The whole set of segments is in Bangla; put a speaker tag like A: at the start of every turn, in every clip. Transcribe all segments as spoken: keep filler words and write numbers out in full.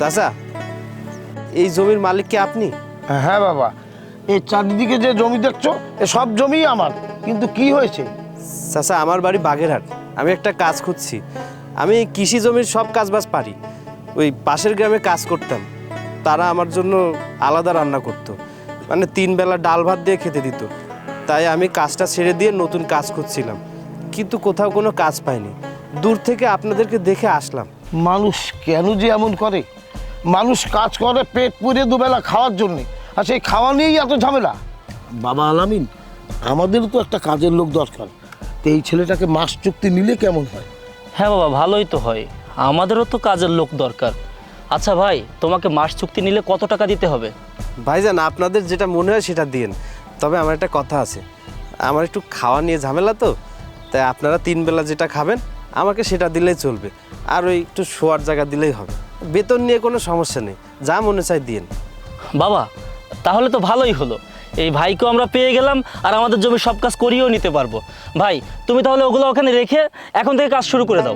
A: চাচা, এই জমির মালিক কি আপনি?
B: হ্যাঁ বাবা, এই চারিদিকে যে জমি দেখছো এ সব জমিই আমার। কিন্তু কি হয়েছে?
A: চাচা, আমার বাড়ি বাগেরহাট। আমি একটা কাজ খুঁজছি। আমি কৃষি জমির সব কাজবাজ পারি। ওই পাশের গ্রামে কাজ করতাম, তারা আমার জন্য আলাদা রান্না করতো, মানে তিন বেলা ডাল ভাত দিয়ে খেতে দিত। তাই আমি কাজটা ছেড়ে দিয়ে নতুন কাজ খুঁজছিলাম, কিন্তু কোথাও কোনো কাজ পাইনি। দূর থেকে আপনাদেরকে দেখে আসলাম।
B: মানুষ কেন যে এমন করে? মানুষ কাজ করে পেট পুড়ে দুবেলা খাওয়ার জন্যে, আর সেই খাওয়া নিয়েই এত ঝামেলা। বাবা আলামিন, আমাদেরও তো একটা কাজের লোক দরকার। তো এই ছেলেটাকে মাস চুক্তি নিলে কেমন হয়?
C: হ্যাঁ বাবা, ভালোই তো হয়, আমাদেরও তো কাজের লোক দরকার। আচ্ছা ভাই, তোমাকে মাস চুক্তি নিলে কত টাকা দিতে হবে?
A: ভাইজান, আপনাদের যেটা মনে হয় সেটা দিয়েন। তবে আমার একটা কথা আছে, আমার একটু খাওয়া নিয়ে ঝামেলা তো, তাই আপনারা তিন বেলা যেটা খাবেন আমাকে সেটা দিলেই চলবে। আর ওই একটু শোয়ার জায়গা দিলেই হবে। বেতন নিয়ে কোনো সমস্যা নেই, যা মনে চাই দিয়েন।
C: বাবা, তাহলে তো ভালোই হলো, এই ভাইকেও আমরা পেয়ে গেলাম আর আমাদের জমির সব কাজ করিয়েও নিতে পারবো। ভাই, তুমি তাহলে ওগুলো ওখানে রেখে এখন থেকে কাজ শুরু করে দাও।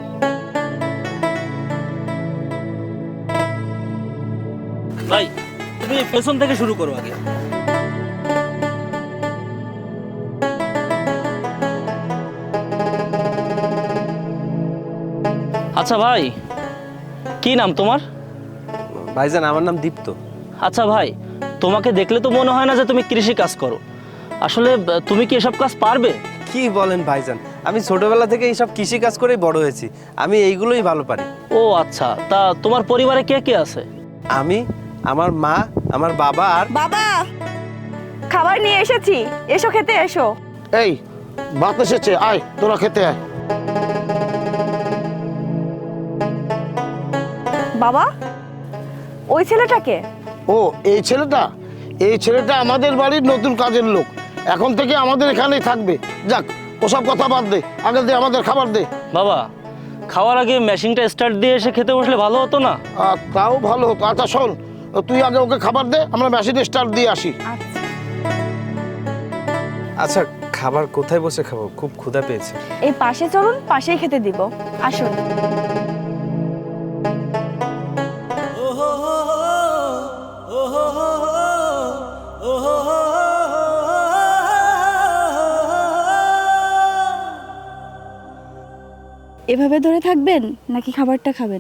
C: ভাই, তুমি পেছন থেকে শুরু করো আগে। আচ্ছা ভাই, কি নাম তোমার?
A: ভাইজান, আমার নাম দীপ্ত।
C: আচ্ছা ভাই, তোমাকে দেখলে তো মনে হয় না যে তুমি কৃষি কাজ করো। আসলে তুমি কি এসব কাজ পারবে?
A: কি বলেন ভাইজান, আমি ছোটবেলা থেকে এইসব কৃষি কাজ করেই বড় হয়েছি। আমি এইগুলোই ভালো পারি।
C: ও আচ্ছা, তা তোমার পরিবারে কে কে আছে?
A: আমি, আমার মা, আমার বাবা আর
D: বাবা, খাবার নিয়ে এসেছি, এসো খেতে এসো।
B: এই ভাত এসেছে, আয় তোরা খেতে আয়।
D: বাবা, ওই ছেলেটাকে?
B: ও, এই ছেলেটা এই ছেলেটা আমাদের বাড়ির নতুন কাজের লোক। এখন থেকে আমাদের এখানেই থাকবে। যাক, ওসব কথা বাদ দে, আগে দে আমাদের খাবার দে।
C: বাবা, খাওয়ার আগে মেশিনটা স্টার্ট দিয়ে এসে খেতে বসলে ভালো হতো না?
B: আর তাও ভালো হতো। আচ্ছা শোন, তুই আগে ওকে খাবার দে, আমরা মেশিন স্টার্ট দিয়ে আসি।
D: আচ্ছা,
A: আচ্ছা, খাবার কোথায় বসে খাবো? খুব ক্ষুধা পেয়েছে।
D: এই পাশে চলুন, পাশেই খেতে দিব, আসুন। এভাবে ধরে থাকবেন নাকি খাবারটা খাবেন?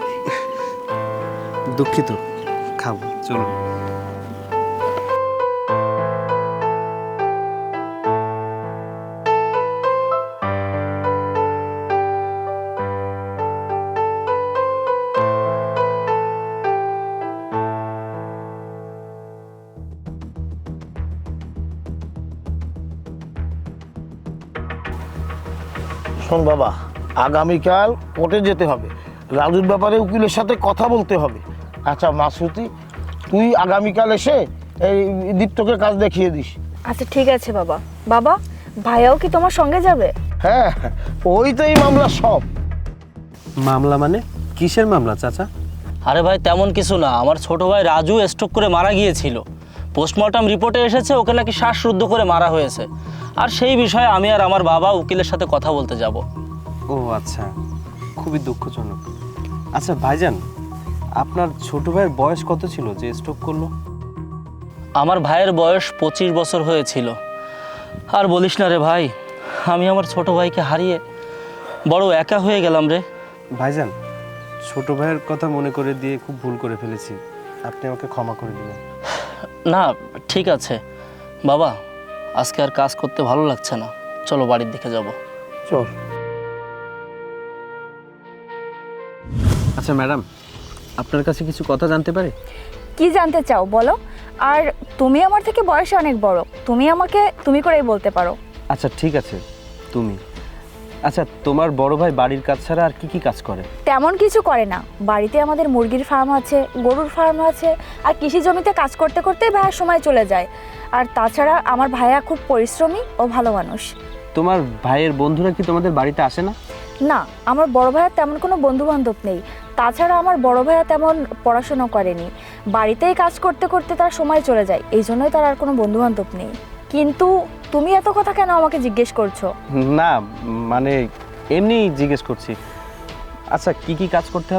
A: দুঃখিত, খাবো, চলুন।
B: শোন বাবা, আগামীকাল কোর্টে যেতে হবে, রাজুর ব্যাপারে উকিলের সাথে কথা বলতে হবে। আচ্ছা মাসুতি, তুই আগামীকাল এসে এই দীপ্তকে কাজ দেখিয়ে দিস।
D: আচ্ছা ঠিক আছে বাবা। বাবা, ভাইয়াও কি তোমার সঙ্গে যাবে?
B: হ্যাঁ, ওই তো এই মামলা সব।
A: মামলা মানে? কিসের মামলা চাচা?
C: আরে ভাই, তেমন কিছু না, আমার ছোট ভাই রাজু স্ট্রোক করে মারা গিয়েছিল। পোস্টমর্টম রিপোর্টে এসেছে ওকে নাকি শ্বাসরুদ্ধ করে মারা হয়েছে। আর সেই বিষয়ে আমি আর আমার বাবা উকিলের সাথে কথা বলতে যাব।
A: ও আচ্ছা, খুবই দুঃখজনক। আচ্ছা ভাইজান, আপনার ছোট ভাইয়ের বয়স কত ছিল যে স্ট্রোক করলো?
C: আমার ভাইয়ের বয়স পঁচিশ বছর হয়েছিল। আর বলিস না রে ভাই, আমি আমার ছোট ভাইকে হারিয়ে বড় একা হয়ে গেলাম রে।
A: ভাইজান, ছোট ভাইয়ের কথা মনে করে দিয়ে খুব ভুল করে ফেলেছি, আপনি আমাকে ক্ষমা করে দিবেন।
C: না, ঠিক আছে বাবা, আজকে আর কাজ করতে ভালো লাগছে না, চলো বাড়ির দিকে যাব।
B: চল।
A: আচ্ছা ম্যাডাম, আপনার কাছে কিছু কথা জানতে পারি?
D: কি জানতে চাও বলো। আর তুমি আমার থেকে বয়সে অনেক বড়, তুমি আমাকে তুমি করেই বলতে পারো।
A: আচ্ছা ঠিক আছে, তুমি। আচ্ছা, তোমার বড় ভাই বাড়ির কাজ ছাড়া আর কি কি কাজ করে?
D: তেমন কিছু করে না, বাড়িতে আমাদের মুরগির ফার্ম আছে, গরুর ফার্ম আছে, আর কৃষি জমিতে কাজ করতে করতে ভাইয়ার সময় চলে যায়। আর তাছাড়া আমার ভাইয়া খুব পরিশ্রমী ও ভালো মানুষ।
A: তোমার ভাইয়ের বন্ধুরা কি তোমাদের বাড়িতে আসে না?
D: না, আমার বড় ভাইয়ার তেমন কোনো বন্ধু বান্ধব নেই। তাছাড়া আমার বড় ভাইয়া তেমন পড়াশোনা করেনি, বাড়িতেই কাজ করতে করতে তার সময় চলে যায়, এই জন্যই তার আর কোনো বন্ধু বান্ধব নেই। কিন্তু তুমি এত কথা কেন আমাকে জিজ্ঞেস করছো?
A: না, মানে এমনি জিজ্ঞেস করছি। আচ্ছা, কি কি কাজ করতে হবে?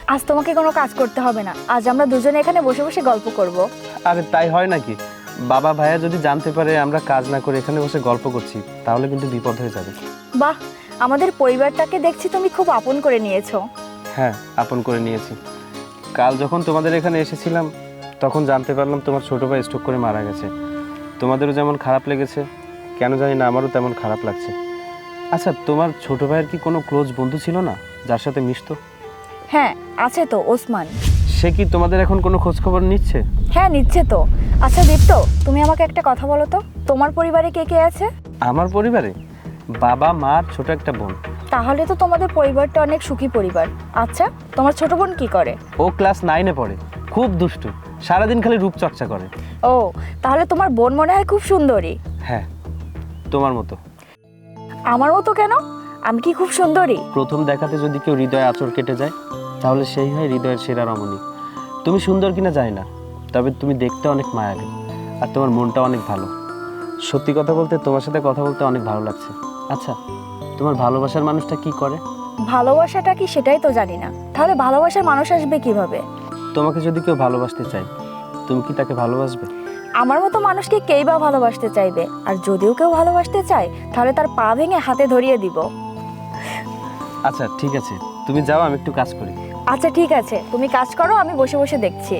D: আজ তোমাকে কোনো কাজ করতে হবে না, আজ আমরা দুজনে এখানে বসে বসে গল্প করব।
A: আরে তাই হয় নাকি? বাবা ভাইয়া যদি জানতে পারে আমরা কাজ না করে এখানে বসে গল্প করছি, তাহলে কিন্তু বিপদ হয়ে যাবে।
D: বাহ, আমাদের পরিবারটাকে দেখছি তুমি খুব আপন করে নিয়েছো।
A: হ্যাঁ, আপন করে নিয়েছি। কাল যখন তোমাদের এখানে এসেছিলাম তখন জানতে পারলাম তোমার ছোটো ভাই স্ট্রোক করে মারা গেছে। তোমাদেরও যেমন খারাপ লেগেছে, কেন জানি না আমারও তেমন খারাপ লাগছে। আচ্ছা, তোমার ছোটো ভাইয়ের কি কোনো ক্লোজ বন্ধু ছিল না যার সাথে মিশতো?
D: হ্যাঁ আছে তো, ওসমান।
A: সে কি তোমাদের এখন কোনো খোঁজ খবর নিচ্ছে?
D: হ্যাঁ নিচ্ছে তো। আচ্ছা দীপ্ত, তুমি আমাকে একটা কথা বলো তো, তোমার পরিবারে কে কে আছে?
A: আমার পরিবারে বাবা মা আর ছোট একটা বোন।
D: তাহলে তো তোমাদের পরিবারটা অনেক সুখী পরিবার। আচ্ছা, তোমার ছোট বোন কি করে?
A: ও ক্লাস নাইনে পড়ে, খুব দুষ্টু, সারাদিন খালি রূপচর্চা করে।
D: ও, তাহলে তোমার বোন মনে হয় খুব সুন্দরী।
A: হ্যাঁ, তোমার মতো।
D: আমার মতো কেন? আমি কি খুব সুন্দরী?
A: প্রথম দেখাতে যদি কেউ হৃদয়ে আঁচড় কেটে যায় তাহলে সেই হয় হৃদয়ের সেরা রমণী। তুমি সুন্দর কিনা জানি না, তবে তুমি দেখতে অনেক মায়াবী আর তোমার মনটা অনেক ভালো। সত্যি কথা বলতে তোমার সাথে কথা বলতে অনেক ভালো লাগছে। আচ্ছা, তোমার ভালোবাসার মানুষটা কি করে?
D: ভালোবাসাটা কি সেটাই তো জানি না, তাহলে ভালোবাসার মানুষ আসবে কিভাবে?
A: তোমাকে যদি কেউ ভালোবাসতে চায়, তুমি কি তাকে ভালোবাসবে?
D: আমার মতো মানুষকে কেই বা ভালোবাসতে চাইবে? আর যদিও কেউ ভালোবাসতে চায় তাহলে তার পা ভেঙে হাতে ধরিয়ে দিব।
A: আচ্ছা ঠিক আছে, তুমি যাও, আমি একটু কাজ করি।
D: আচ্ছা ঠিক আছে, তুমি কাজ করো, আমি বসে বসে দেখছি।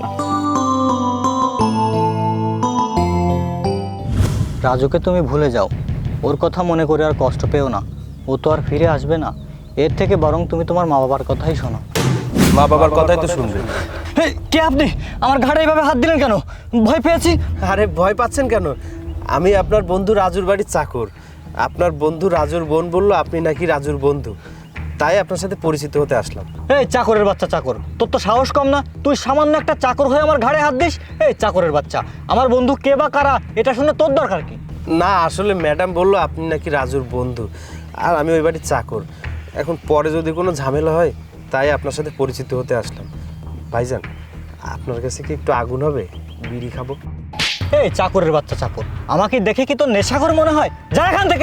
E: রাজুকে তুমি ভুলে যাও, ওর কথা মনে করে আর কষ্ট পেও না, ও তো আর ফিরে আসবে না। এর থেকে বরং তুমি তোমার মা বাবার কথাই শোনো।
A: মা বাবার কথাই তো শুনবে।
E: এই, কে আপনি? আমার ঘাড়ে এইভাবে হাত দিলেন কেন? ভয় পেয়েছি।
A: আরে ভয় পাচ্ছেন কেন? আমি আপনার বন্ধু রাজুর বাড়ির চাকর। আপনার বন্ধু রাজুর বোন বলল আপনি নাকি রাজুর বন্ধু, তাই আপনার সাথে পরিচিত হতে আসলাম।
E: এই চাকরের বাচ্চা চাকর, তোর তো সাহস কম না? তুই সামান্য একটা চাকর হয়ে আমার ঘাড়ে হাত দিস? এই চাকরের বাচ্চা, আমার বন্ধু কে বা কারা এটা শুনে তোর দরকার কি?
A: না, আসলে ম্যাডাম বলল আপনি নাকি রাজুর বন্ধু, আর আমি ওই বাড়ির চাকর। এখন পরে যদি কোনো ঝামেলা হয় তাই আপনার সাথে পরিচিত হতে আসলাম। ভাইজান, আপনার কাছে কি একটু আগুন হবে? বিড়ি খাবো।
E: এই চাকরের বাচ্চা চাকর, আমাকে দেখে কি তোর নেশাখোর মনে হয়? যা এখান থেকে।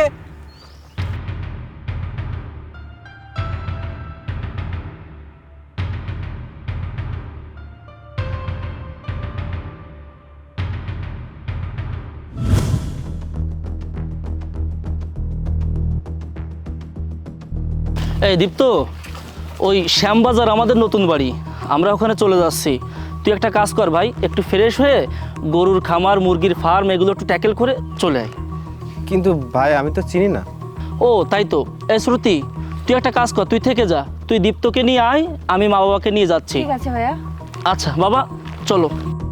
C: এই দীপ্ত, ওই শ্যামবাজার আমাদের নতুন বাড়ি, আমরা ওখানে চলে যাচ্ছি। তুই একটা কাজ কর ভাই, একটু ফ্রেশ হয়ে গরুর খামার, মুরগির ফার্ম এগুলো একটু ট্যাকেল করে চলে আয়।
A: কিন্তু ভাই আমি তো চিনি না।
C: ও তাই তো। এই শ্রুতি, তুই একটা কাজ কর, তুই থেকে যা, তুই দীপ্তকে নিয়ে আয়, আমি মা বাবাকে নিয়ে যাচ্ছি।
D: ঠিক আছে ভাইয়া।
C: আচ্ছা বাবা, চলো।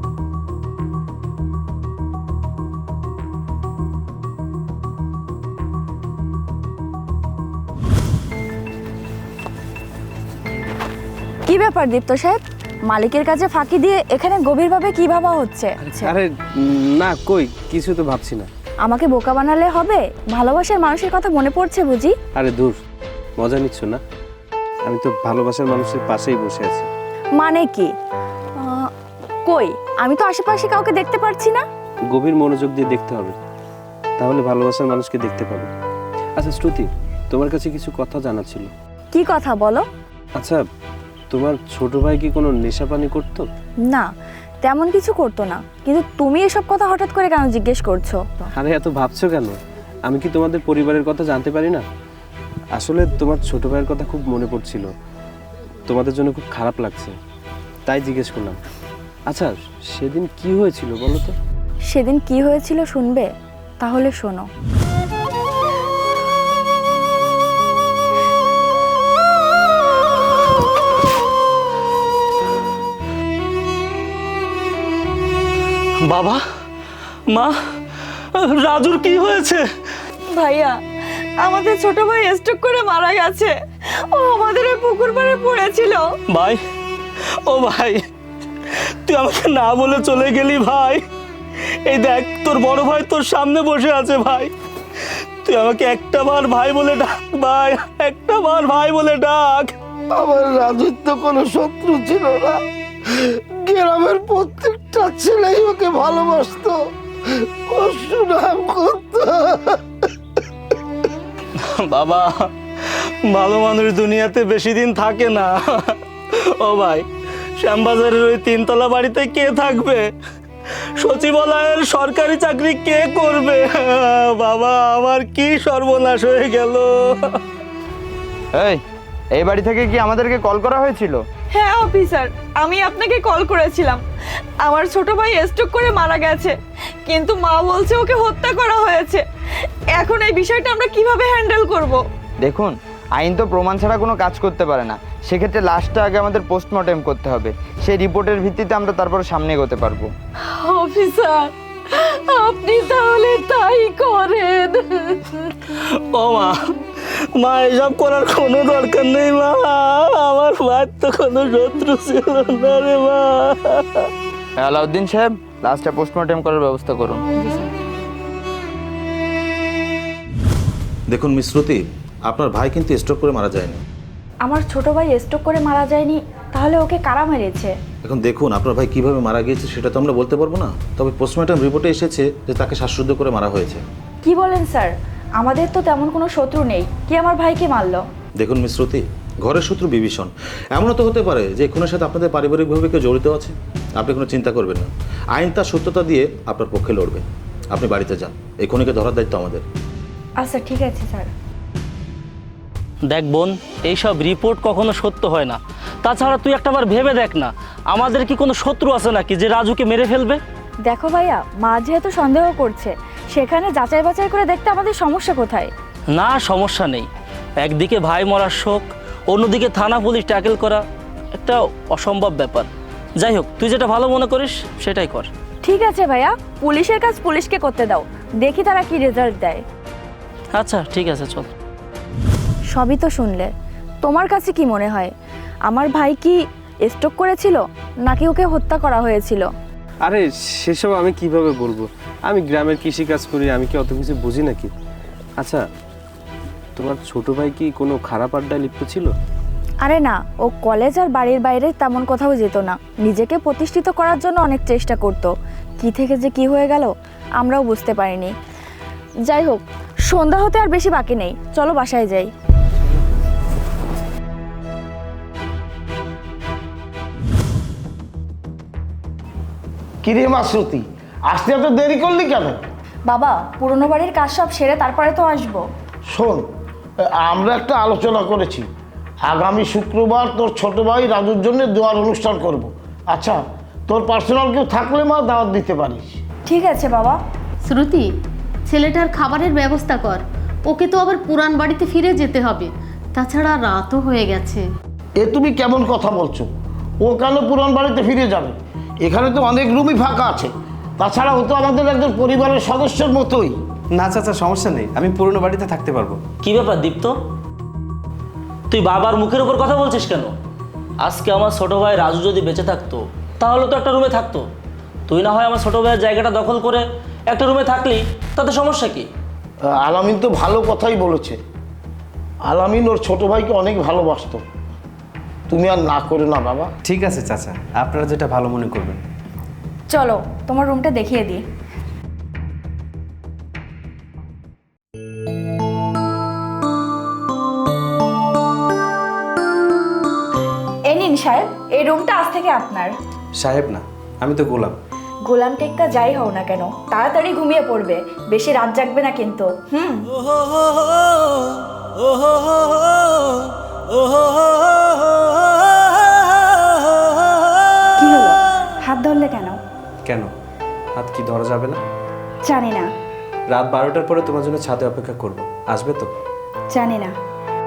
D: কি ব্যাপার দীপ্ত সাহেব, মালিকের কাছে ফাঁকি দিয়ে এখানে গভীরভাবে কি ভাবা হচ্ছে?
A: আরে না, কই কিছু তো ভাবছি না।
D: আমাকে বোকা বানালে হবে? ভালোবাসার মানুষের কথা মনে পড়ছে বুঝি?
A: আরে দূর, মজা নিচ্ছ না? আমি তো ভালোবাসার মানুষের পাশেই বসে আছি।
D: মানে কি? আহ, কই, আমি তো আশেপাশে কাউকে দেখতে পারছি না।
A: গভীর মনোযোগ দিয়ে দেখতে হবে, তাহলে ভালোবাসার মানুষকে দেখতে পাবে। আচ্ছা শ্রুতি, তোমার কাছে কিছু কথা জানার ছিল।
D: কি কথা বলো?
A: আচ্ছা, তোমার ছোট ভাই কি কোনো নেশাপানি করতো?
D: না, তেমন কিছু করতো না, কিন্তু তুমি এসব কথা হঠাৎ করে কেন জিজ্ঞেস করছো?
A: আরে এত ভাবছো কেন? আমি কি তোমাদের পরিবারের কথা জানতে পারি না? আসলে তোমার ছোট ভাইয়ের কথা খুব মনে পড়ছিল, তোমাদের জন্য খুব খারাপ লাগছে, তাই জিজ্ঞেস করলাম। আচ্ছা, সেদিন কি হয়েছিল বলো তো?
D: সেদিন কি হয়েছিল শুনবে? তাহলে শোনো।
C: বাবা, মা, রাজুর কি হয়েছে?
D: ভাইয়া, আমাদের ছোট ভাই স্ট্রোক করে মারা গেছে। ও আমাদের এই পুকুর পাড়ে পড়েছিল।
C: ভাই, ও ভাই, তুই আমাকে না বলে চলে গেলি ভাই। এই দেখ, তোর বড় ভাই তোর সামনে বসে আছে ভাই। তুই আমাকে একটা বার ভাই বলে ডাক ভাই, একটা বার ভাই বলে ডাক।
B: আমার রাজুর তো কোনো শত্রু ছিল না, গ্রামের প্রত্যেকটা ছেলেই ওকে ভালোবাসতো, ও সুনাম করতো।
C: বাবা, ভালো মানুষ দুনিয়াতে বেশি দিন থাকে না। ও ভাই, শ্যামবাজারের ওই তিনতলা বাড়িতে কে থাকবে? সচিবালয়ের সরকারি চাকরি কে করবে? বাবা, আমার কি সর্বনাশ হয়ে গেল।
F: এই এই বাড়ি থেকে কি আমাদেরকে কল করা হয়েছিল?
G: হ্যাঁ অফিসার, আমি আপনাকে কল করেছিলাম। আমার ছোট ভাই স্ট্রোক করে মারা গেছে, কিন্তু মা বলছে ওকে হত্যা করা হয়েছে। এখন এই বিষয়টা আমরা কিভাবে হ্যান্ডেল করব?
F: দেখুন, আইন তো প্রমাণ ছাড়া কোনো কাজ করতে পারে না। সেক্ষেত্রে লাশটা আগে আমাদের পোস্টমর্টেম করতে হবে। সেই রিপোর্টের ভিত্তিতে আমরা তারপর সামনে এগোতে পারবো।
G: অফিসার, আপনি তাহলে তাই করেন।
C: ও মা, মা এসব করার কোনো দরকার নেই মা। আমার ভাই তো কোনো শত্রু ছিল না রে মা।
F: আলাউদ্দিন সাহেব, লাশটা পোস্টমর্টেম করার ব্যবস্থা করুন।
H: দেখুন মিস শ্রুতি, আপনার ভাই কিন্তু স্ট্রোক করে মারা যায়নি।
D: আমার ছোট ভাই স্ট্রোক করে মারা যায়নি, তাহলে ওকে কারা মেরেছে?
H: এখন দেখুন, আপনার ভাই কিভাবে মারা গিয়েছে সেটা তো আমরা বলতে পারবো না, তবে পোস্টমর্টম রিপোর্টে এসেছে যে তাকে শ্বাসরুদ্ধ করে মারা হয়েছে।
D: কি বলেন স্যার? আমাদের তো তেমন কোনো শত্রু নেই, কি আমার ভাইকে মারলো?
H: দেখুন মিস শ্রুতি, ঘরের শত্রু বিভীষণ। এমনও তো হতে পারে যে খুনের সাথে আপনাদের পারিবারিকভাবে কেউ জড়িত আছে। আপনি কোনো চিন্তা করবেন না, আইন তার সত্যতা দিয়ে আপনার পক্ষে লড়বে। আপনি বাড়িতে যান, এই খুনিকে ধরার দায়িত্ব আমাদের।
D: আচ্ছা ঠিক আছে স্যার।
C: দেখ বোন, এইসব রিপোর্ট কখনো সত্য হয় না। তাছাড়া তুই একটাবার ভেবে দেখ না, আমাদের কি কোনো শত্রু আছে নাকি যে রাজুকে মেরে ফেলবে?
D: দেখো ভাইয়া, মা যেহেতু সন্দেহ করছে, সেখানে যাচাই বাছাই করে দেখতে আমাদের সমস্যা কোথায়?
C: না, সমস্যা নেই। একদিকে ভাই মরার শোক, অন্যদিকে থানা পুলিশ ট্যাকেল করা একটা অসম্ভব ব্যাপার। যাই হোক, তুই যেটা ভালো মনে করিস সেটাই কর।
D: ঠিক আছে ভাইয়া, পুলিশের কাজ পুলিশকে করতে দাও, দেখি তারা কি রেজাল্ট দেয়।
C: আচ্ছা ঠিক আছে, চল।
D: সবই তো শুনলে, তোমার কাছে কি মনে হয় আমার ভাই কি স্ট্রোক করেছিল নাকি ওকে হত্যা করা হয়েছিল?
A: আরে সেসব আমি কিভাবে বলবো? আমি গ্রামের কৃষিকাজ করি, আমি কি অত কিছু বুঝি নাকি? আচ্ছা, তোমার ছোট ভাই কি কোনো খারাপ আড্ডায় লিপ্ত ছিল?
D: আরে না, ও কলেজ আর বাড়ির বাইরে তেমন কোথাও যেত না, নিজেকে প্রতিষ্ঠিত করার জন্য অনেক চেষ্টা করতো। কি থেকে যে কি হয়ে গেল আমরাও বুঝতে পারিনি। যাই হোক, সন্ধ্যা হতে আর বেশি বাকি নেই, চলো বাসায় যাই।
B: কিরে মা শ্রুতি, আসতে এত দেরি করলি কেন?
D: বাবা, পুরনো বাড়ির কাজ সব সেরে তারপরে তো আসবো।
B: শোন, আমরা একটা আলোচনা করেছি, আগামী শুক্রবার তোর ছোট ভাই রাজুর জন্য দোয়ার অনুষ্ঠান করব। আচ্ছা, তোর পার্সোনাল কেউ থাকলে মা দাওয়াত দিতে পারিস।
D: ঠিক আছে বাবা।
I: শ্রুতি, ছেলেটার খাবারের ব্যবস্থা কর। ওকে তো আবার পুরান বাড়িতে ফিরে যেতে হবে, তাছাড়া রাতও হয়ে গেছে।
B: এ তুমি কেমন কথা বলছো? ও কেন পুরান বাড়িতে ফিরে যাবে? এখানে তো অনেক রুমই ফাঁকা আছে। তাছাড়া ও তো আমাদের একজন পরিবারের সদস্যের মতোই।
A: না চাচা, সমস্যা নেই, আমি পুরনো বাড়িতে থাকতে পারবো।
C: কি ব্যাপার দীপ্ত, তুই বাবার মুখের উপর কথা বলছিস কেন? আজকে আমার ছোট ভাই রাজু যদি বেঁচে থাকতো তাহলে তো একটা রুমে থাকতো। তুই না হয় আমার ছোট ভাইয়ের জায়গাটা দখল করে একটা রুমে থাকলি, তাতে সমস্যা কি?
B: আলামিন তো ভালো কথাই বলেছে। আলামিন ওর ছোট ভাইকে অনেক ভালোবাসতো। তুমি আর না করো না বাবা।
A: ঠিক আছে চাচা, আপনারা যেটা ভালো মনে করবেন।
D: চলো তোমার রুমটা দেখিয়ে দিই। এই নিন সাহেব, এই রুমটা আজ থেকে আপনার।
A: সাহেব না, আমি তো গোলাম।
D: গোলাম টেক্কা যাই হও না কেন, তাড়াতাড়ি ঘুমিয়ে পড়বে, বেশি রাত জাগবে না কিন্তু। হুম। কি হলো, হাত ধরলে কেন?
A: কেন, হাত কি ধরা যাবে না?
D: জানি না।
A: রাত বারোটার পরে তোমার জন্য ছাদে অপেক্ষা করব, আসবে তো?
D: জানি না।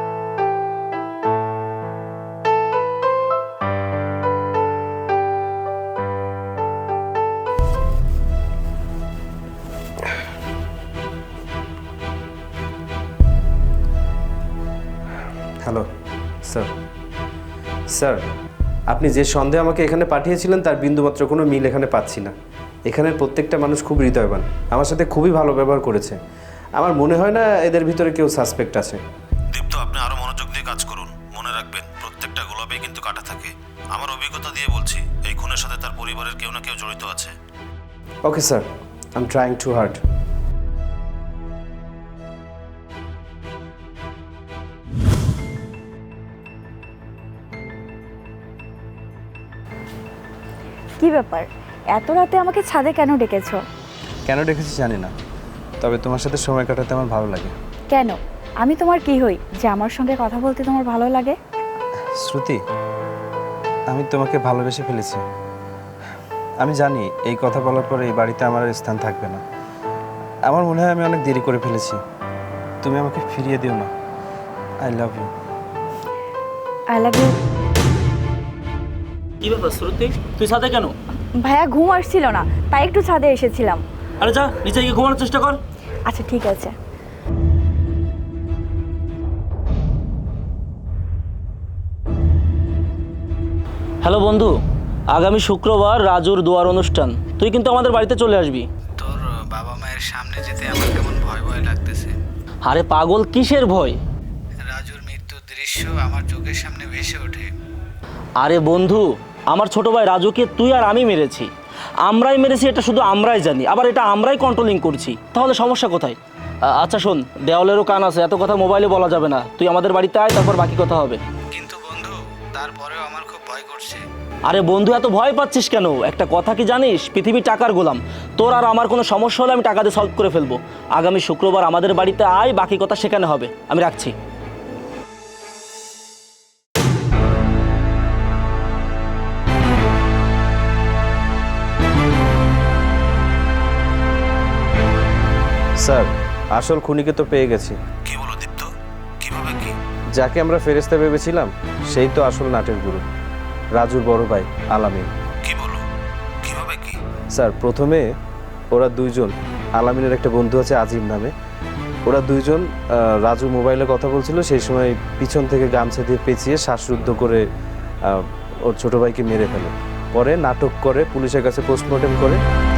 A: Hello sir. স্যার, আপনি যে সন্দেহে আমাকে এখানে পাঠিয়েছিলেন তার বিন্দুমাত্র কোনো মিল এখানে পাচ্ছি না। এখানের প্রত্যেকটা মানুষ খুব হৃদয়বান, আমার সাথে খুবই ভালো ব্যবহার করেছে। আমার মনে হয় না এদের ভিতরে কেউ সাসপেক্ট আছে।
H: দীপ্ত, আপনি আরো মনোযোগ দিয়ে কাজ করুন। মনে রাখবেন, প্রত্যেকটা গোলাপেই কিন্তু কাটা থাকে। আমার অভিজ্ঞতা দিয়ে বলছি, এই খুনের সাথে তার পরিবারের কেউ না কেউ জড়িত আছে।
A: Okay sir, I am trying to hard.
D: কি ব্যাপার এত রাতে আমাকে ছাদে কেন ডেকেছো?
A: কেন ডেকেছি জানি না, তবে তোমার সাথে সময় কাটাতে আমার ভালো লাগে।
D: কেন? আমি তোমার কি হই যে আমার সঙ্গে কথা বলতে তোমার ভালো লাগে?
A: শ্রুতি, আমি তোমাকে ভালোবেসে ফেলেছি। আমি জানি এই কথা বলার পরে এই বাড়িতে আমার আর স্থান থাকবে না। আমার মনে হয় আমি অনেক দেরি করে ফেলেছি। তুমি আমাকে ফিরিয়ে দিও না। I love you.
D: I love you.
C: কি ব্যাপার শ্রুতি, তুই সাথে কেন?
D: ভাইয়া ঘুম আসছিল না, তাই একটু ছাদে এসেছিলাম।
C: আরে যা নিচে গিয়ে ঘুমানোর চেষ্টা কর।
D: আচ্ছা ঠিক আছে।
C: হ্যালো বন্ধু, আগামী শুক্রবার রাজুর দোয়ার অনুষ্ঠান, তুই কিন্তু আমাদের বাড়িতে চলে আসবি।
A: তোর বাবা মায়ের সামনে যেতে আমার কেমন ভয় ভয় লাগতেছে।
C: আরে পাগল, কিসের ভয়?
A: রাজুর মৃত্যুর দৃশ্য আমার চোখের সামনে ভেসে ওঠে।
C: আরে বন্ধু, আমার ছোট ভাই রাজুকে তুই আর আমি মেরেছি। আমরাই মেরেছি এটা শুধু আমরাই জানি, আবার এটা আমরাই কন্ট্রোলিং করছি। তাহলে সমস্যা কোথায়? আ- আচ্ছা শোন, দেওয়ালেরও কান আছে, এত কথা মোবাইলে বলা যাবে না। তুই আমাদের বাড়িতে আয়, তারপর বাকি কথা হবে।
A: কিন্তু বন্ধু, তারপরেও আমার খুব ভয় করছে।
C: আরে বন্ধু, এত ভয় পাচ্ছিস কেন? একটা কথা কি জানিস, পৃথিবী টাকার গোলাম। তোর আর আমার কোনো সমস্যা হলে আমি টাকা দিয়ে সলভ করে ফেলবো। আগামী শুক্রবার আমাদের বাড়িতে আয়, বাকি কথা সেখানে হবে। আমি রাখছি।
A: স্যার, আসল খুনিকে তো পেয়ে গেছি।
H: কি বলো দীপ্ত, কিভাবে কি?
A: যাকে আমরা ফেরেশতা ভেবেছিলাম সেই তো আসল নাটের গুরু, রাজুর বড় ভাই আলামিন।
H: কি বলো, কিভাবে কি?
A: স্যার, প্রথমে ওরা দুইজন, আলামিনের একটা বন্ধু আছে আজিম নামে, ওরা দুইজন আহ, রাজু মোবাইলে কথা বলছিল, সেই সময় পিছন থেকে গামছা দিয়ে পেঁচিয়ে শ্বাসরুদ্ধ করে আহ, ওর ছোট ভাইকে মেরে ফেলে। পরে নাটক করে পুলিশের কাছে পোস্টমর্টেম করে।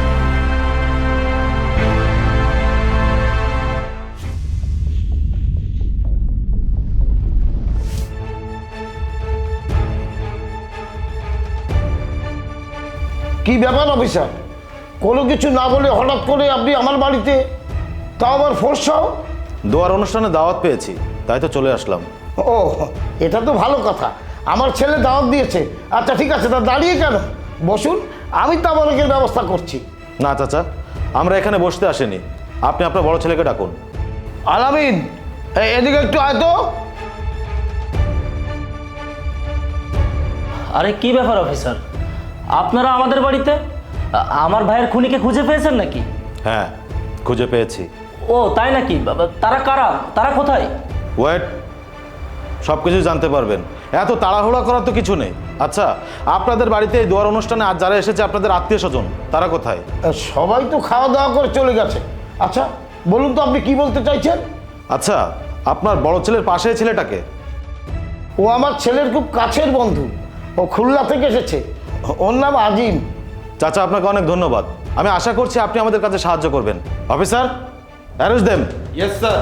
B: কি ব্যাপার অফিসার, কোনো কিছু না বলে হঠাৎ করে আপনি আমার বাড়িতে, তাও আবার ফোর্সাও?
H: দোয়ার অনুষ্ঠানে দাওয়াত পেয়েছি, তাই তো চলে আসলাম।
B: ও, এটা তো ভালো কথা, আমার ছেলে দাওয়াত দিয়েছে। আচ্ছা ঠিক আছে, তা দাঁড়িয়ে কেন, বসুন, আমি তো আমাদের ব্যবস্থা করছি।
H: না চাচা, আমরা এখানে বসতে আসিনি, আপনি আপনার বড় ছেলেকে ডাকুন।
B: আলামিন, এ- এদিকে একটু আয় তো।
C: আরে কি ব্যাপার অফিসার, আপনারা আমাদের বাড়িতে? আ- আমার ভাইয়ের খুনিকে খুঁজে পেয়েছেন নাকি?
H: হ্যাঁ, খুঁজে পেয়েছি।
C: ও তাই নাকি? বাবা, তারা কারা? তারা কোথায়?
H: ওয়েট, সব কিছু জানতে পারবেন, এত তাড়াহুড়া করার তো কিছু নেই। আচ্ছা, আপনাদের বাড়িতে এই দোয়ার অনুষ্ঠানে আজ যারা এসেছে আপনাদের আত্মীয় স্বজন, তারা কোথায়?
B: সবাই তো খাওয়া দাওয়া করে চলে গেছে। আচ্ছা বলুন তো, আপনি কি বলতে চাইছেন?
H: আচ্ছা, আপনার বড় ছেলের পাশে এই ছেলেটাকে?
B: ও আমার ছেলের খুব কাছের বন্ধু, ও খুলনা থেকে এসেছে, ওর নাম আজিম।
H: চাচা, আপনাকে অনেক ধন্যবাদ। আমি আশা করছি আপনি আমাদের কাছে সাহায্য করবেন। Officer, arrest them.
A: Yes sir.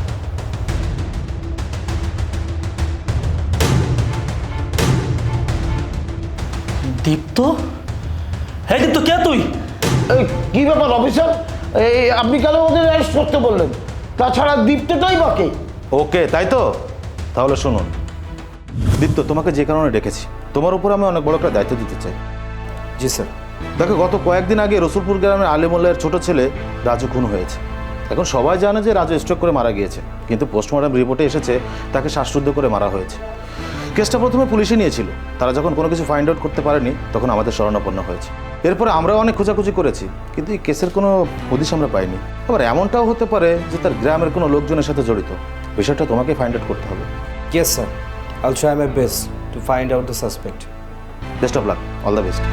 C: Dipto? হ্যাঁ দীপ্ত, কে তুই?
B: এই কি ব্যাপার অফিসার, এই আপনি কেন ওদের অ্যারেস্ট করতে বললেন? তাছাড়া দীপ্তটাই বাকি।
H: ওকে, তাই তো, তাহলে শুনুন। দীপ্ত, তোমাকে যে কারণে ডেকেছি, তোমার উপর আমি অনেক বড় একটা দায়িত্ব দিতে চাই।
A: জি স্যার।
H: দেখো, গত কয়েকদিন আগে রসুলপুর গ্রামের আলিমুল্লাহের ছোট ছেলে রাজু খুন হয়েছে। এখন সবাই জানে যে রাজু স্ট্রোক করে মারা গিয়েছে, কিন্তু পোস্টমর্টম রিপোর্টে এসেছে তাকে শ্বাসরুদ্ধ করে মারা হয়েছে। কেসটা প্রথমে পুলিশে নিয়েছিল, তারা যখন কোনো কিছু ফাইন্ড আউট করতে পারেনি তখন আমাদের শরণাপন্ন হয়েছে। এরপরে আমরাও অনেক খোঁজাখুঁজি করেছি, কিন্তু এই কেসের কোনো হদিশ আমরা পাইনি। আবার এমনটাও হতে পারে যে তার গ্রামের কোনো লোকজনের সাথে জড়িত। বিষয়টা তোমাকে ফাইন্ড আউট করতে হবে।
A: Yes sir, I'll try my best to find out the suspect.
H: Best of luck, all the best.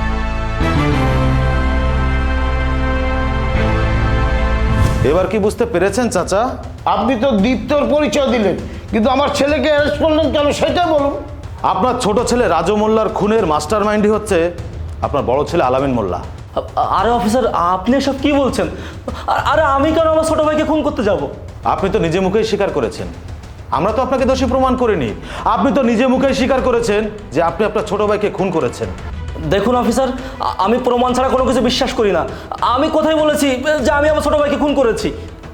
H: এবার কি বুঝতে পেরেছেন চাচা?
B: আপনি তো দীপ্তর পরিচয় দিলেন, কিন্তু আমার ছেলেকে অ্যারেস্ট করলেন কেন সেটা বলুন।
H: আপনার ছোট ছেলে রাজু মোল্লার খুনের মাস্টার মাইন্ডই হচ্ছে আপনার বড় ছেলে আলামিন মোল্লা।
C: আ- আরে অফিসার, আপনি এসব কি বলছেন? আ- আরে আমি কেন আমার ছোট ভাইকে খুন করতে যাব?
H: আপনি তো নিজে মুখেই স্বীকার করেছেন, আমরা তো আপনাকে দোষী প্রমাণ করিনি। আপনি তো নিজে মুখেই স্বীকার করেছেন যে আপনি আপনার ছোট ভাইকে খুন করেছেন।
C: দেখুন অফিসার, আ- আমি প্রমাণ ছাড়া কোনো কিছু বিশ্বাস করি না। আমি কোথায় বলেছি যে আমি আমার ছোট ভাইকে খুন করেছি?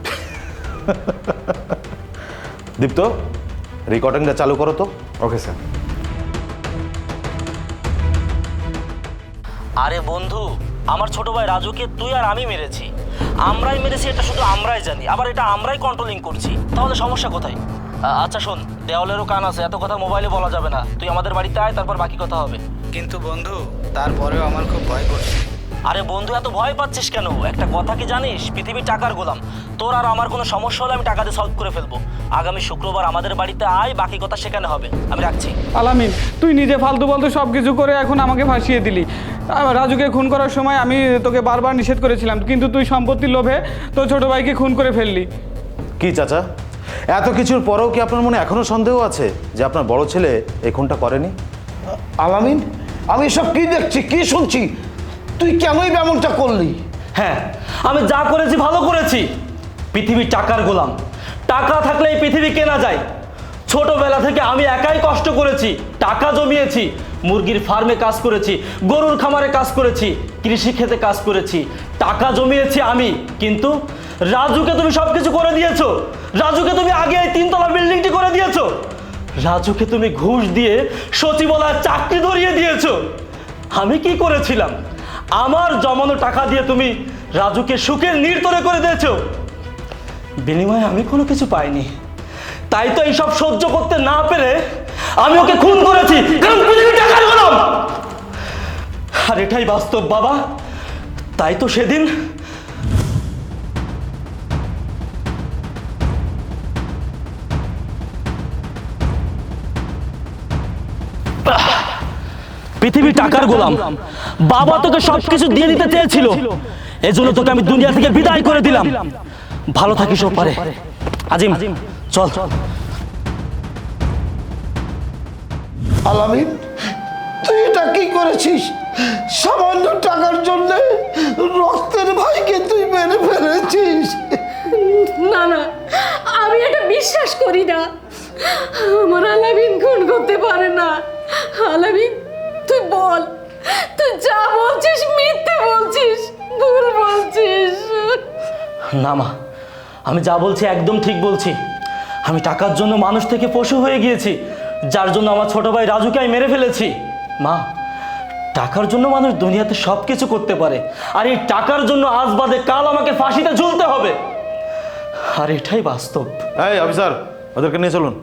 H: দীপ্ত, রেকর্ডিংটা চালু করো তো।
A: Okay sir.
C: আরে বন্ধু, আমার ছোট ভাই রাজুকে তুই আর আমি মেরেছি। আমরাই মেরেছি এটা শুধু আমরাই জানি, আবার এটা আমরাই কন্ট্রোলিং করছি। তাহলে সমস্যা কোথায়? আ- আচ্ছা শোন, দেওয়ালেরও কান আছে, এত কথা মোবাইলে বলা যাবে না। তুই আমাদের বাড়িতে আয়, তারপর বাকি কথা হবে।
E: কিন্তু বন্ধু, তারপরেও আমার খুব ভয় করছে।
C: আরে বন্ধু, এত ভয় পাচ্ছিস কেন? একটা কথা কি জানিস, পৃথিবী টাকার গোলাম। তোর আর আমার কোনো সমস্যা হলে আমি টাকা দিয়ে সলভ করে ফেলবো। আগামী শুক্রবার আমাদের বাড়িতে আয়, বাকি কথা সেখানে হবে। আমি রাখছি।
J: আলামিন, তুই নিজে ফালতু ফালতু সব কিছু করে এখন আমাকে ফাঁসিয়ে দিলি। আহ, রাজুকে খুন করার সময় আমি তোকে বারবার নিষেধ করেছিলাম, কিন্তু তুই সম্পত্তির লোভে তোর ছোট ভাইকে খুন করে ফেললি।
H: কি চাচা, এত কিছুর পরেও কি আপনার মনে এখনো সন্দেহ আছে যে আপনার বড় ছেলে এই খুনটা করেনি?
B: আলামিন, আমি সব কি দেখছি, কি শুনছি? তুই কেনই এমনটা করলি?
C: হ্যাঁ, আমি যা করেছি ভালো করেছি। পৃথিবী টাকার গোলাম, টাকা থাকলে এই পৃথিবী কেনা যায়। ছোটবেলা থেকে আমি একাই কষ্ট করেছি, টাকা জমিয়েছি, মুরগির ফার্মে কাজ করেছি, গরুর খামারে কাজ করেছি, কৃষি ক্ষেতে কাজ করেছি, টাকা জমিয়েছি আমি। কিন্তু রাজুকে তুমি সব কিছু করে দিয়েছো। রাজুকে তুমি আগে এই তিনতলা বিল্ডিংটি করে দিয়েছো। রাজুকে তুমি ঘুষ দিয়ে সচিবালয়ের চাকরি ধরিয়ে দিয়েছো। আমি কি করেছিলাম? আমার জমানো টাকা দিয়ে তুমি রাজুকে সুখের নির্তরে করে দিয়েছো। বিনিময়ে আমি কোনো কিছু পাইনি। তাই তো এইসব সহ্য করতে না পেরে আমি ওকে খুন করেছি, কারণ পৃথিবী টাকার গোলাম। আর এটাই বাস্তব বাবা। তাই তো সেদিন পৃথিবী টাকার গোলাম। বাবা তোকে সবকিছু দিয়ে দিতে চেয়েছিল, এজন্য তোকে আমি দুনিয়া থেকে বিদায় করে দিলাম। ভালো থাকিস ওপারে। আজিম, চল চল।
B: আলামিন, তুই এটা কি করেছিস? সামান্য টাকার জন্য রক্তের ভাইকে তুই মেরে ফেলেছিস।
I: না না, আমি এটা বিশ্বাস করি না। আমার আলামিন খুন করতে পারে না। আলামিন, তুই বল, তুই যা বলছিস মিথ্যে বলছিস, ভুল বলছিস।
C: না মা, আমি যা বলছি একদম ঠিক বলছি। আমি টাকার জন্য মানুষ থেকে পশু হয়ে গিয়েছি, যার জন্য আমার ছোট ভাই রাজুকে আমি মেরে ফেলেছি। মা, টাকার জন্য মানুষ দুনিয়াতে সব কিছু করতে পারে, আর এই টাকার জন্য আজ বাদে কাল আমাকে ফাঁসিতে ঝুলতে হবে। আর এটাই বাস্তব।
H: এই অফিসার, ওদেরকে নিয়ে চলুন।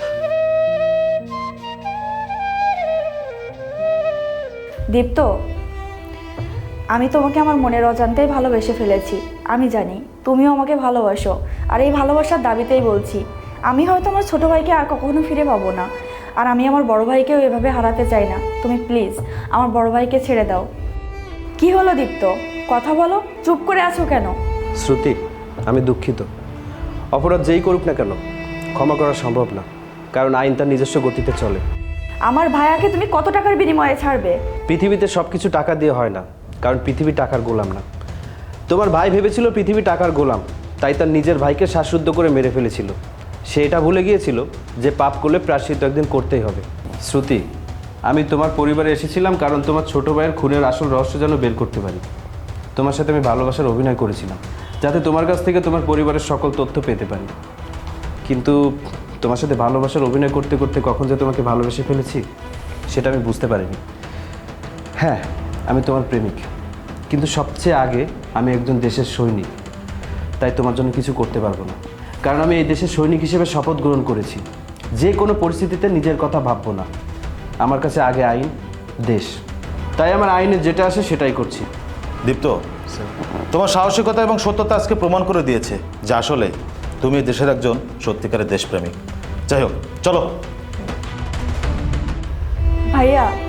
D: দীপ্ত, আমি তোমাকে আমার মনের অজান্তেই ভালোবেসে ফেলেছি। আমি জানি তুমিও আমাকে ভালোবাসো, আর এই ভালোবাসার দাবিতেই বলছি, আমি হয়তো আমার ছোট ভাইকে আর কখনো ফিরে পাবো না, আর আমি আমার বড় ভাইকেও এভাবে হারাতে চাই না। তুমি প্লিজ আমার বড় ভাইকে ছেড়ে দাও। কি হলো দীপ্ত, কথা বলো, চুপ করে আছো কেন?
A: শ্রুতি, আমি দুঃখিত। অপরাধ যেই করুক না কেন, ক্ষমা করা সম্ভব না, কারণ আইন তার নিজস্ব গতিতে চলে।
D: আমার ভাইয়াকে তুমি কত টাকার বিনিময়ে ছাড়বে?
A: পৃথিবীতে সব কিছু টাকা দিয়ে হয় না, কারণ পৃথিবী টাকার গোলাম না। তোমার ভাই ভেবেছিল পৃথিবী টাকার গোলাম, তাই তার নিজের ভাইকে শ্বাসরুদ্ধ করে মেরে ফেলেছিল। সে এটা ভুলে গিয়েছিল যে পাপ করলে প্রায়শ্চিত্ত একদিন করতেই হবে। শ্রুতি, আমি তোমার পরিবারে এসেছিলাম কারণ তোমার ছোট ভাইয়ের খুনের আসল রহস্য যেন বের করতে পারি। তোমার সাথে আমি ভালোবাসার অভিনয় করেছিলাম, যাতে তোমার কাছ থেকে তোমার পরিবারের সকল তথ্য পেতে পারি। কিন্তু তোমার সাথে ভালোবাসার অভিনয় করতে করতে কখন যে তোমাকে ভালোবেসে ফেলেছি সেটা আমি বুঝতে পারিনি। হ্যাঁ, আমি তোমার প্রেমিক, কিন্তু সবচেয়ে আগে আমি একজন দেশের সৈনিক। তাই তোমার জন্য কিছু করতে পারবো না, কারণ আমি এই দেশের সৈনিক হিসেবে শপথ গ্রহণ করেছি, যে কোনো পরিস্থিতিতে নিজের কথা ভাববো না। আমার কাছে আগে আইন, দেশ, তাই আমার আইনে যেটা আসে সেটাই করছি।
H: দীপ্ত, তোমার সাহসিকতা এবং সত্যতা আজকে প্রমাণ করে দিয়েছে যে আসলে তুমি দেশের একজন সত্যিকারের দেশপ্রেমিক। যাই হোক, চলো।
D: ভাইয়া,